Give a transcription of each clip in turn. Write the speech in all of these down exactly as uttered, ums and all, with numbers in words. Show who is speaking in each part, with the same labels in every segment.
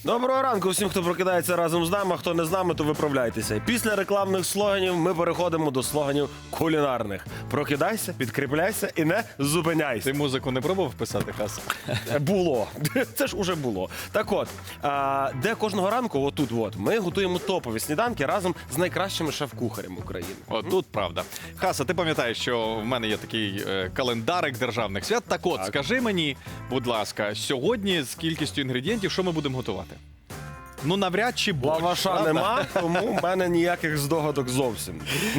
Speaker 1: Доброго ранку всім, хто прокидається разом з нами, а хто не з нами, то виправляйтеся. Після рекламних слоганів ми переходимо до слоганів кулінарних. Прокидайся, підкріпляйся і не зупиняйся.
Speaker 2: Ти музику не пробував писати, Хас?
Speaker 1: Було. Це ж уже було. Так от, а, де кожного ранку, отут от, ми готуємо топові сніданки разом з найкращими шеф-кухарями України.
Speaker 2: От тут правда. Хаса, ти пам'ятаєш, що в мене є такий е, календарик державних свят. Так от,
Speaker 1: Так.
Speaker 2: скажи мені, будь ласка, сьогодні з кількістю інгредієнтів, що ми будемо готувати? Ну, навряд чи борщ,
Speaker 1: Лаваша
Speaker 2: правда?
Speaker 1: нема, тому в мене ніяких здогадок зовсім.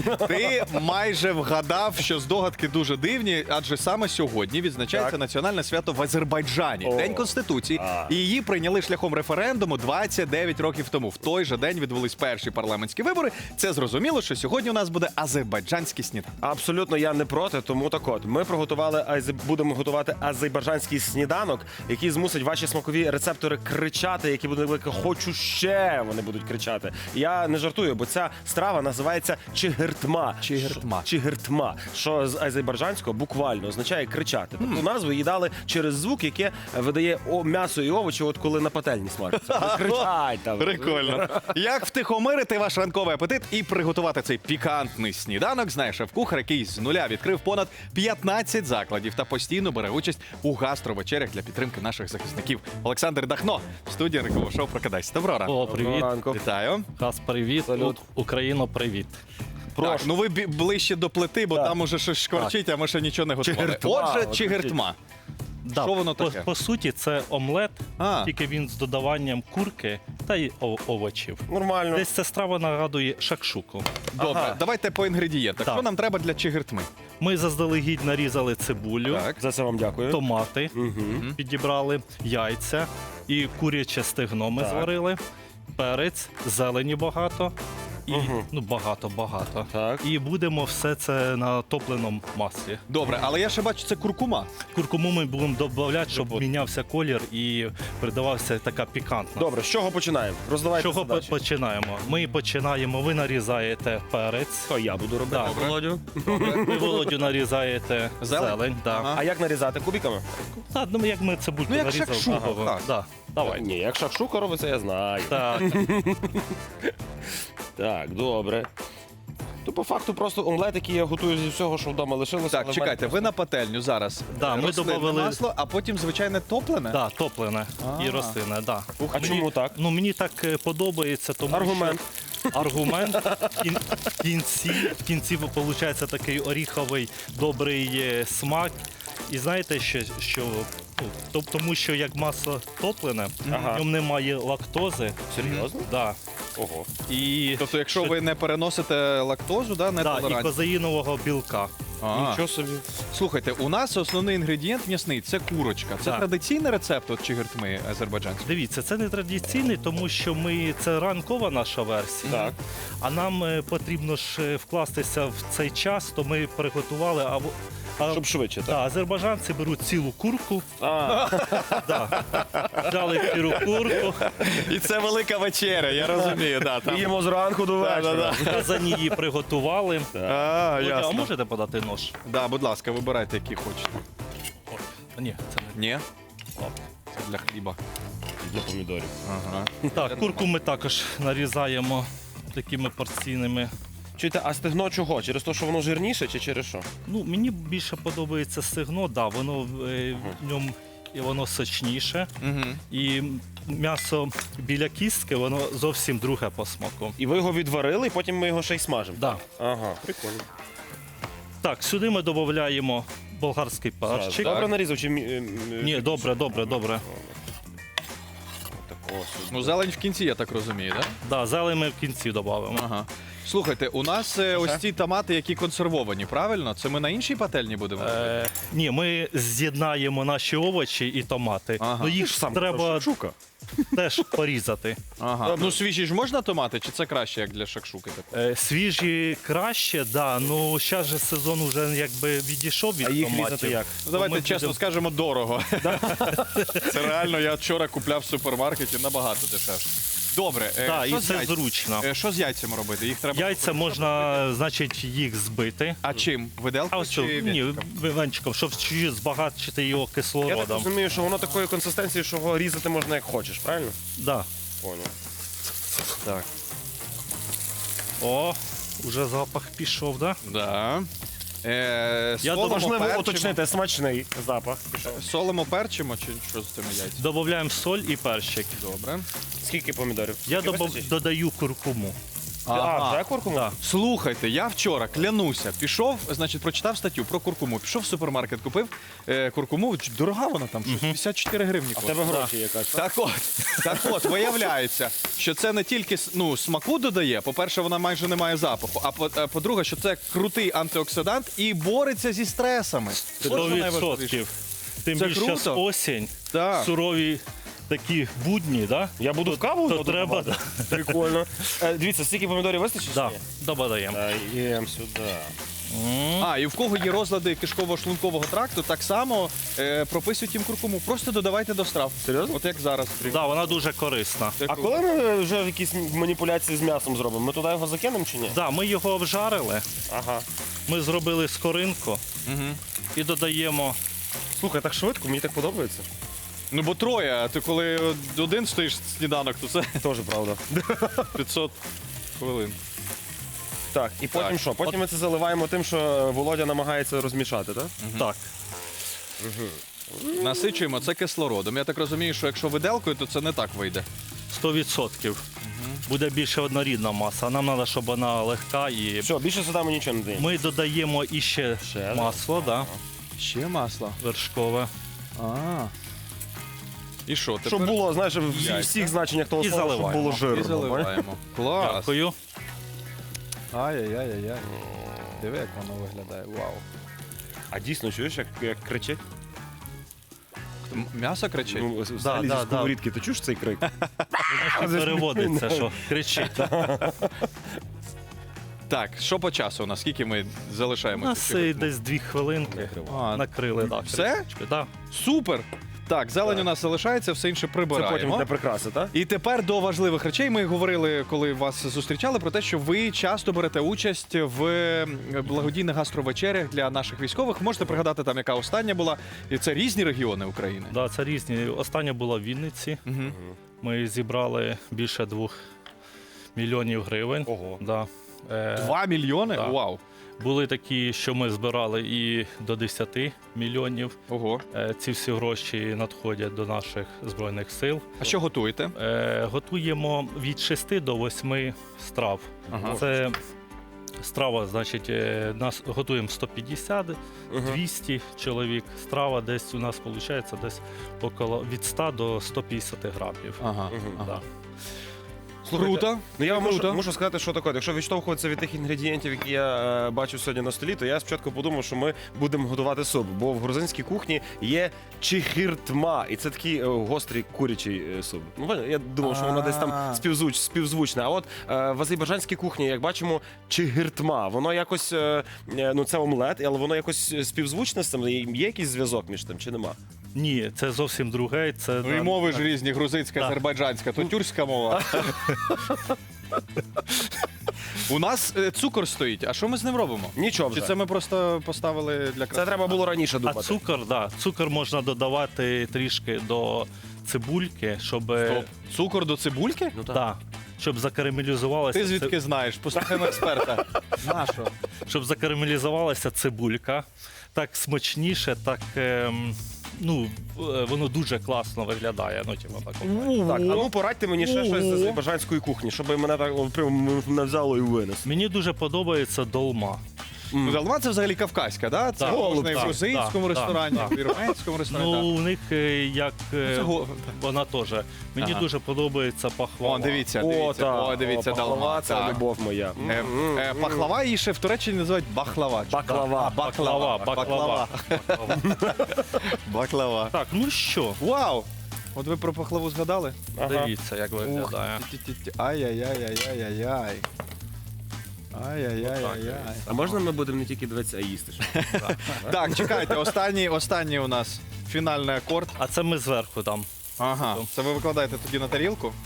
Speaker 2: Ти майже вгадав, що здогадки дуже дивні, адже саме сьогодні відзначається
Speaker 1: Так.
Speaker 2: національне свято в Азербайджані,
Speaker 1: О.
Speaker 2: День Конституції.
Speaker 1: А.
Speaker 2: І її прийняли шляхом референдуму двадцять дев'ять років тому. В той же день відбулись перші парламентські вибори. Це зрозуміло, що сьогодні у нас буде азербайджанський сніданок.
Speaker 1: Абсолютно я не проти, тому так от. Ми приготували, азе- будемо готувати азербайджанський сніданок, який змусить ваші смакові рецептори кричати, які будуть велике «хочу ще», вони будуть кричати. Я не жартую, бо ця страва називається чигиртма.
Speaker 2: Чигиртма.
Speaker 1: Що- Чигиртма, що з азербайджанського буквально означає кричати. Тобто назву їй дали через звук, яке видає о- м'ясо і овочі, от коли на пательні смажаться. Вони кричать там.
Speaker 2: Прикольно. Як втихомирити ваш ранковий апетит і приготувати цей пікантний сніданок, знає шеф-кухар, який з нуля відкрив понад п'ятнадцять закладів та постійно бере участь у гастровечерях для підтримки наших захисників. Олександр Дахно в студії ранкового шоу «Прокидайся». Доброго ранку.
Speaker 3: О, привіт.
Speaker 1: Доброго ранку.
Speaker 2: Вітаю.
Speaker 3: Хас, привіт.
Speaker 1: Салют.
Speaker 3: У- Україно, привіт.
Speaker 2: Так, ну ви бі- ближче до плити, бо
Speaker 1: Так.
Speaker 2: там уже щось шкварчить, а ми ще нічого не готували.
Speaker 1: Чигиртма,
Speaker 2: Отже,
Speaker 1: от
Speaker 2: чигиртма.
Speaker 3: Да,
Speaker 2: Що воно
Speaker 3: по,
Speaker 2: таке?
Speaker 3: по суті, це омлет,
Speaker 2: А.
Speaker 3: тільки він з додаванням курки та й о- овочів.
Speaker 1: Нормально.
Speaker 3: Десь ця страва нагадує шакшуку.
Speaker 2: Добре,
Speaker 1: Ага.
Speaker 2: давайте по інгредієнтах.
Speaker 3: Так.
Speaker 2: Що нам треба для чигиртми?
Speaker 3: Ми заздалегідь нарізали цибулю,
Speaker 2: Так.
Speaker 1: За це вам дякую.
Speaker 3: томати, підібрали, яйця і куряче стегно ми
Speaker 1: Так.
Speaker 3: зварили, перець, зелені багато. І,
Speaker 1: Мгм.
Speaker 3: ну, багато-багато.
Speaker 1: Так.
Speaker 3: І будемо все це на топленому маслі.
Speaker 2: Добре, але я ще бачу, це куркума.
Speaker 3: Куркуму ми будемо додавати, щоб
Speaker 1: От.
Speaker 3: мінявся колір і придавався така пікантна.
Speaker 1: Добре, з чого починаємо? Роздавайте
Speaker 3: Чого по-
Speaker 1: задачі.
Speaker 3: починаємо? Ми починаємо, ви нарізаєте перець.
Speaker 1: То я буду робити.
Speaker 3: Да.
Speaker 2: Добре.
Speaker 1: Володю.
Speaker 3: Ви, Володю, нарізаєте
Speaker 2: Зелень?
Speaker 3: зелень. да.
Speaker 2: Ага.
Speaker 1: А як нарізати? Кубиками?
Speaker 3: Та, ну, як ми цибульку
Speaker 2: Ну, як
Speaker 3: нарізали.
Speaker 2: шакшука,
Speaker 3: Ага,
Speaker 2: так.
Speaker 3: Да. Давай.
Speaker 1: Ні, як шакшука робиться, я знаю.
Speaker 3: Так.
Speaker 1: Так, добре. То по факту просто омлет, який я готую зі всього, що вдома лишилося.
Speaker 2: Так,
Speaker 1: але
Speaker 2: чекайте,
Speaker 1: в
Speaker 2: ви на пательню зараз.
Speaker 3: Да, ми
Speaker 2: Рослинне
Speaker 3: добавили-
Speaker 2: масло, а потім звичайне топлене?
Speaker 3: Да, топлене
Speaker 2: А.
Speaker 3: і рослинне, да.
Speaker 1: мене- А чому так?
Speaker 3: Ну, мені так е, подобається, тому
Speaker 1: Аргумент.
Speaker 3: що аргумент в кін- в кінці, в кінці виходить такий оріховий добрий е, смак. І знаєте, що, що ну, то- тому що як масло топлене,
Speaker 1: Ага.
Speaker 3: в ньому немає лактози.
Speaker 1: Серйозно?
Speaker 3: Да.
Speaker 1: Ого.
Speaker 3: І,
Speaker 2: Тобто, якщо
Speaker 3: що-
Speaker 2: ви не переносите лактозу, да, не
Speaker 3: да, і
Speaker 2: толерантні.
Speaker 3: козаїнового білка.
Speaker 2: А.
Speaker 1: Нічого собі.
Speaker 2: Слухайте, у нас основний інгредієнт м'ясний це курочка. Це
Speaker 3: Так.
Speaker 2: традиційний рецепт от чигиртми азербайджанської.
Speaker 3: Дивіться, це не традиційний, тому що ми це ранкова наша версія.
Speaker 1: Так.
Speaker 3: А нам е, потрібно ж е, вкластися в цей час, то ми приготували. А, в- а,
Speaker 1: Щоб швидше,
Speaker 3: да,
Speaker 1: так?
Speaker 3: азербайджанці беруть цілу курку,
Speaker 1: А,
Speaker 3: да, взяли цілу курку,
Speaker 2: І це велика вечеря, я розумію. Да, там.
Speaker 1: їмо зранку до
Speaker 2: Да,
Speaker 1: вечора.
Speaker 2: да, да.
Speaker 3: в казані її приготували.
Speaker 2: А,
Speaker 3: Володя, а
Speaker 2: ясно.
Speaker 3: можете подати нож?
Speaker 2: Да, будь ласка, вибирайте, які хочете.
Speaker 3: О, ні, це не.
Speaker 2: Ні? Це для хліба.
Speaker 1: Для помідорів.
Speaker 2: Ага.
Speaker 3: Так, курку ми також нарізаємо такими порційними.
Speaker 1: Чуєте, а стегно чого? Через те, що воно жирніше чи через що?
Speaker 3: Ну, мені більше подобається стегно, да, воно е, в ньому і воно сочніше.
Speaker 2: Угу.
Speaker 3: І м'ясо біля кістки, воно зовсім друге по смаку.
Speaker 1: І ви його відварили, і потім ми його ще й смажимо.
Speaker 3: Да.
Speaker 1: Ага, прикольно.
Speaker 3: Так, сюди ми додаємо болгарський перчик.
Speaker 1: Добре нарізав чи... мі- м- м-
Speaker 3: Ні, добре, добре, добре.
Speaker 1: Такого собі.
Speaker 2: Ну, зелень в кінці, я так розумію, так? Да?
Speaker 3: Да, зелень ми в кінці додамо.
Speaker 2: Ага. Слухайте, у нас е, ось ці томати, які консервовані, правильно? Це ми на іншій пательні будемо робити?
Speaker 3: Е, ні, ми з'єднаємо наші овочі і томати.
Speaker 2: Ага.
Speaker 3: Ну їх
Speaker 1: Сам
Speaker 3: треба
Speaker 1: шакшука.
Speaker 3: теж порізати.
Speaker 2: Ага. Ну, свіжі ж можна томати, чи це краще, як для шакшуки? такої?
Speaker 3: Е, свіжі краще, да, ну зараз же сезон вже якби відійшов від
Speaker 1: А їх
Speaker 3: томатів.
Speaker 1: різати як?
Speaker 2: Ну, давайте
Speaker 3: ми
Speaker 2: чесно
Speaker 3: будемо-
Speaker 2: скажемо, дорого. Це реально, я вчора купляв в супермаркеті набагато дешевше. Добре, е,
Speaker 3: Да,
Speaker 2: що
Speaker 3: і
Speaker 2: з
Speaker 3: це
Speaker 2: яйць-
Speaker 3: зручно.
Speaker 2: е, Що з яйцями робити? Їх треба.
Speaker 3: Яйця можна, значить, їх збити.
Speaker 2: А чим?
Speaker 3: А
Speaker 2: Виделкою
Speaker 3: ось
Speaker 2: чи
Speaker 3: ні,
Speaker 2: вінчиком?
Speaker 3: венчиком, щоб чуть збагатити його
Speaker 1: Я так
Speaker 3: кислородом.
Speaker 1: розумію, що воно такої консистенції, що його різати можна як хочеш, правильно?
Speaker 3: Да.
Speaker 1: Понял.
Speaker 2: Так.
Speaker 3: О, уже запах пішов, да?
Speaker 2: Да. Е,
Speaker 3: Я
Speaker 2: солимо,
Speaker 1: Важливо
Speaker 2: перчимо.
Speaker 1: уточнити смачний запах.
Speaker 2: Солимо, перчимо, чи що з цими яйцями?
Speaker 3: Додаємо соль і перчик.
Speaker 2: Добре.
Speaker 1: Скільки помідорів?
Speaker 3: Я
Speaker 1: Скільки
Speaker 3: добав-
Speaker 1: вистачить?
Speaker 3: додаю куркуму.
Speaker 1: А, вже куркуму?
Speaker 3: Да.
Speaker 2: Слухайте, я вчора клянуся, пішов, значить, прочитав статтю про куркуму. Пішов в супермаркет, купив е, куркуму. Ч- Дорога вона там, щось п'ятдесят чотири гривні
Speaker 1: А в
Speaker 2: коштує.
Speaker 1: тебе гроші якась. так?
Speaker 2: Так от, так от, виявляється, що це не тільки с- ну, смаку додає, по-перше, вона майже не має запаху, а по- а по-друге, що це крутий антиоксидант і бореться зі стресами. От що
Speaker 3: сто
Speaker 2: найважливіше.
Speaker 3: відсотків. Тим
Speaker 2: Це
Speaker 3: більше зараз
Speaker 2: круто.
Speaker 3: осінь,
Speaker 2: Так.
Speaker 3: сурові такі будні, да?
Speaker 1: Я буду в каву?
Speaker 3: то
Speaker 1: буду
Speaker 3: треба,
Speaker 1: давати? Прикольно. Е, Дивіться, скільки помідорів вистачить?
Speaker 3: Да,
Speaker 1: чи ні?
Speaker 3: додаємо.
Speaker 1: Даємо сюди.
Speaker 2: А, і в кого є розлади кишково-шлункового тракту, так само е, прописують їм куркуму. Просто додавайте до страв.
Speaker 1: Серйозно?
Speaker 2: От як зараз.
Speaker 3: Да, вона дуже корисна.
Speaker 2: Це
Speaker 1: А
Speaker 2: круто.
Speaker 1: коли ми вже якісь маніпуляції з м'ясом зробимо? Ми туди його закинемо чи ні?
Speaker 3: Да, ми його обжарили,
Speaker 1: Ага.
Speaker 3: ми зробили скоринку
Speaker 2: Мгм.
Speaker 3: і додаємо.
Speaker 1: Слухай, так швидко, мені так подобається.
Speaker 2: Ну бо троє, а ти коли один стоїш сніданок, то це
Speaker 1: Теж правда.
Speaker 2: п'ятсот хвилин.
Speaker 1: Так, і потім
Speaker 2: Так.
Speaker 1: що? Потім ми це заливаємо тим, що Володя намагається розмішати, так?
Speaker 3: Так.
Speaker 2: Насичуємо це кислородом. Я так розумію, що якщо виделкою, то це не так вийде.
Speaker 3: сто відсотків. Буде більше однорідна маса. Нам треба, щоб вона легка і.
Speaker 1: Все, більше сюди ми нічого не даємо.
Speaker 3: Ми додаємо іще
Speaker 1: Ще, да.
Speaker 3: масло, да,
Speaker 2: Ще масло.
Speaker 3: вершкове.
Speaker 2: А. І що, тепер
Speaker 1: Щоб було, знаєш, в
Speaker 2: Яйця.
Speaker 1: всіх значеннях того
Speaker 3: І
Speaker 1: слова, щоб
Speaker 3: заливаємо.
Speaker 1: було
Speaker 2: і
Speaker 1: жирно. бачиш?
Speaker 2: заливаємо. Клас.
Speaker 3: Дякую.
Speaker 2: Ай-яй-яй-яй. Диви, як воно виглядає. Вау.
Speaker 1: А дійсно, чуєш, як, як кричить?
Speaker 2: М- М'ясо кричить?
Speaker 1: Ну, взагалі
Speaker 3: да,
Speaker 1: зі
Speaker 3: да.
Speaker 1: сковорідки, ти чуєш цей крик?
Speaker 3: Переводиться, що кричить.
Speaker 2: Так, що по часу у нас? Скільки ми
Speaker 3: У
Speaker 2: залишаємо?
Speaker 3: нас
Speaker 2: цих
Speaker 3: е,
Speaker 2: хвилин?
Speaker 3: десь дві хвилинки.
Speaker 2: А,
Speaker 3: Накрили, так.
Speaker 2: все?
Speaker 3: Да.
Speaker 2: Супер! Так, зелень
Speaker 1: Так.
Speaker 2: у нас залишається, все інше
Speaker 1: Це потім
Speaker 2: прибираємо.
Speaker 1: для прикраси, так?
Speaker 2: І тепер до важливих речей. Ми говорили, коли вас зустрічали, про те, що ви часто берете участь в благодійних гастровечерях для наших військових. Можете пригадати там, яка остання була. І це різні регіони України.
Speaker 3: Да, це різні. Остання була в Вінниці.
Speaker 2: Угу.
Speaker 3: Ми зібрали більше двох мільйонів гривень.
Speaker 1: Ого.
Speaker 3: Да. Е,
Speaker 2: Два мільйони?
Speaker 3: так.
Speaker 2: Вау!
Speaker 3: Були такі, що ми збирали і до десяти мільйонів.
Speaker 2: Ого.
Speaker 3: Е, ці всі гроші надходять до наших збройних сил.
Speaker 2: А що готуєте?
Speaker 3: Е, готуємо від шести до восьми страв.
Speaker 2: Ага.
Speaker 3: Це страва, значить, е, нас готуємо сто п'ятдесят, двісті чоловік. Страва десь у нас виходить десь около від ста до ста п'ятдесят грамів.
Speaker 2: Ага.
Speaker 1: Мгм.
Speaker 2: ага.
Speaker 3: Да.
Speaker 2: Круто.
Speaker 1: Ну я вам можу,
Speaker 2: Круто.
Speaker 1: можу сказати, що таке. Якщо відштовхуватися від тих інгредієнтів, які я е, бачу сьогодні на столі, то я спочатку подумав, що ми будемо готувати суп. Бо в грузинській кухні є чихиртма, і це такий е, гострий курячий е, суп. Ну поняли? Я думав, що воно десь там
Speaker 2: А.
Speaker 1: співзвуч, співзвучне. А от е, в азербайджанській кухні, як бачимо, чихиртма. Воно якось е, е, ну це омлет, але воно якось співзвучне з цим. Є якийсь зв'язок між тим чи нема?
Speaker 3: Ні, це зовсім друге. Це
Speaker 2: Ну і мови ж різні, грузинська,
Speaker 3: Так.
Speaker 2: азербайджанська, то тюркська мова. У нас е, цукор стоїть, а що ми з ним робимо?
Speaker 1: Нічого
Speaker 2: Чи
Speaker 1: вже.
Speaker 2: це ми просто поставили для краси?
Speaker 1: Це треба було раніше
Speaker 3: А
Speaker 1: думати.
Speaker 3: цукор, да, цукор можна додавати трішки до цибульки, щоб,
Speaker 2: Стоп. Цукор до цибульки?
Speaker 1: Ну
Speaker 3: да, щоб закарамелізувалася.
Speaker 2: Ти звідки знаєш? Послухаємо експерта. Нащо?
Speaker 3: Щоб закарамелізувалася цибулька. Так смачніше, так ем, ну, е, воно дуже класно виглядає. Ну, типу, так, от.
Speaker 1: Так, а ну порадьте мені ще щось з азербайджанської кухні, щоб мене так о, прям не взяло і винес.
Speaker 3: Мені дуже подобається долма.
Speaker 2: Ну, Далма це взагалі кавказька, да? Це
Speaker 3: Так,
Speaker 2: можна і в
Speaker 3: так,
Speaker 2: грузинському
Speaker 3: так,
Speaker 2: ресторані,
Speaker 3: так,
Speaker 2: і в вірменському ресторані.
Speaker 3: Ну,
Speaker 2: так.
Speaker 3: у них е, як е,
Speaker 2: Це го-
Speaker 3: вона теж. Мені
Speaker 2: Ага.
Speaker 3: дуже подобається пахвала.
Speaker 2: О, дивіться,
Speaker 1: О,
Speaker 2: дивіться,
Speaker 1: так,
Speaker 2: о, дивіться,
Speaker 1: о, пахлава,
Speaker 2: далма.
Speaker 1: це
Speaker 2: так.
Speaker 1: любов моя.
Speaker 2: Е,
Speaker 1: М,
Speaker 2: е,
Speaker 1: м,
Speaker 2: Пахлава її ще в Туреччині називають бахлава.
Speaker 1: Баклава.
Speaker 2: А, баклава,
Speaker 3: Баклава,
Speaker 2: баклава. Баклава.
Speaker 3: Так, ну що,
Speaker 2: Вау! От ви про пахлаву згадали?
Speaker 1: Ага.
Speaker 3: дивіться, як виглядає.
Speaker 2: Ті-ті-ті. Ай-яй-яй-яй-яй-яй. Ай-яй-яй-яй-яй.
Speaker 1: А можна ми будемо не тільки дивитися, а їсти? ще?
Speaker 2: Так, чекайте, останній, останній у нас фінальний акорд.
Speaker 3: А це ми зверху там.
Speaker 2: Ага. Це ви викладаєте тоді на тарілку?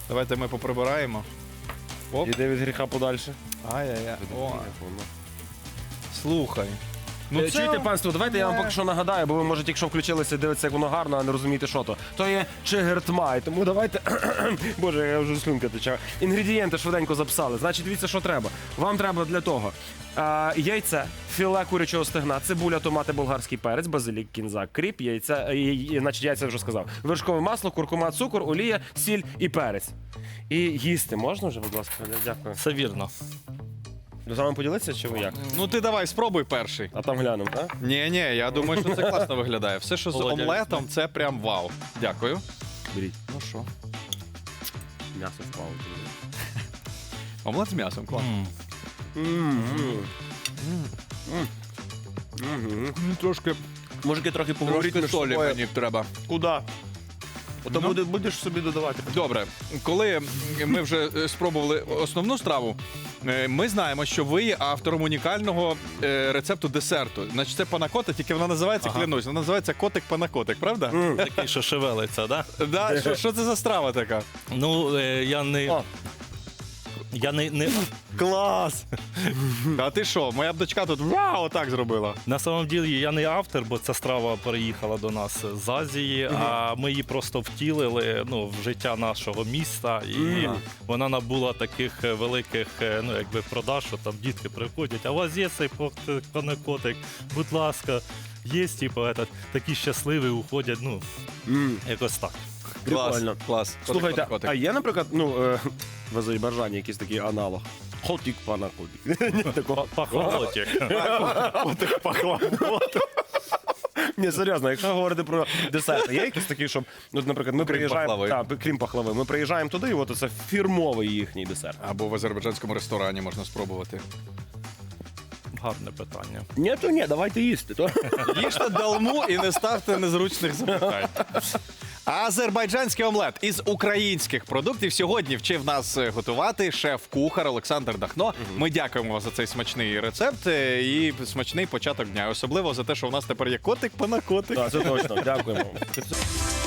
Speaker 2: Давайте ми поприбираємо. Оп.
Speaker 1: Іде від гріха подальше.
Speaker 2: Ай-яй-яй. О, слухай.
Speaker 1: Ну,
Speaker 2: це-
Speaker 1: Чуєте, панство, давайте я вам
Speaker 2: Не.
Speaker 1: поки що нагадаю, бо ви можете, якщо включилися, дивитися, як воно гарно, а не розумієте, що то. То є чигиртмай, тому давайте. Боже, я вже слюнка тече. Інгредієнти швиденько записали. Значить, дивіться, що треба. Вам треба для того а, яйце, філе курячого стегна, цибуля, томати, болгарський перець, базилік, кінза, кріп, яйця, і, і, значить, яйця я вже сказав. Вершкове масло, куркума, цукор, олія, сіль і перець. І їсти можна вже, будь ласка? Дякую.
Speaker 3: Все вірно.
Speaker 1: З вами поділитися чи ви як?
Speaker 2: Ну ти давай, спробуй перший.
Speaker 1: А там глянемо, так?
Speaker 2: Ні, ні, я думаю, що це класно виглядає. Все, що з
Speaker 3: Володя,
Speaker 2: омлетом, це прям вау. Дякую.
Speaker 1: Беріть.
Speaker 2: Ну що?
Speaker 1: М'ясо впало.
Speaker 2: Омлет з м'ясом, класно.
Speaker 3: М.
Speaker 2: Ну, Трошки,
Speaker 1: Мужики трохи поговорити
Speaker 2: трошки
Speaker 1: між
Speaker 2: солі
Speaker 1: собою.
Speaker 2: мені треба.
Speaker 1: Куда? Ото
Speaker 2: Ну.
Speaker 1: буде, будеш собі додавати.
Speaker 2: Добре, коли ми вже е, спробували основну страву, е, ми знаємо, що ви є автором унікального е, рецепту десерту. Значить, це панакота, тільки вона називається,
Speaker 3: Ага.
Speaker 2: клянусь, вона називається котик-панакотик, правда?
Speaker 3: Такий, що шевелиться, да?
Speaker 2: Да, що, що це за страва така?
Speaker 3: Ну, е, я не.
Speaker 1: О.
Speaker 3: Я не, не
Speaker 1: Клас!
Speaker 2: А ти що, моя б дочка тут вау, отак зробила.
Speaker 3: на самом ділі я не автор, бо ця страва переїхала до нас з Азії, а ми її просто втілили ну, в життя нашого міста, і
Speaker 1: Мгм.
Speaker 3: вона набула таких е, великих е, ну, якби продаж, що там дітки приходять, а у вас є цей пок- панакотик, будь ласка, є, типу, этот, такі щасливі уходять, ну,
Speaker 1: М,
Speaker 3: якось так.
Speaker 1: Прикольно.
Speaker 2: Клас, клас.
Speaker 1: Слухайте,
Speaker 2: Котик-панакотик.
Speaker 1: а є, наприклад, ну, е, в Азербайджані якийсь такий аналог? Хотік панакотик. Ні, такого.
Speaker 3: Пахолотик.
Speaker 1: Котик пахлавот. Ні, серйозно, якщо говорити про десерти, є якісь такі, щоб, ну, наприклад, ми приїжджаємо,
Speaker 2: пахлави.
Speaker 1: так, крім пахлави, ми приїжджаємо туди, і от це фірмовий їхній десерт.
Speaker 2: Або в азербайджанському ресторані можна спробувати.
Speaker 3: Гарне питання.
Speaker 1: Ні, то ні, давайте їсти. То.
Speaker 2: Їжте далму і не ставте незручних запитань. Азербайджанський омлет із українських продуктів сьогодні вчив нас е, готувати шеф-кухар Олександр Дахно. Ми дякуємо вам за цей смачний рецепт е, і смачний початок дня. Особливо за те, що у нас тепер є котик-панакотик.
Speaker 1: Так, це точно. Дякуємо.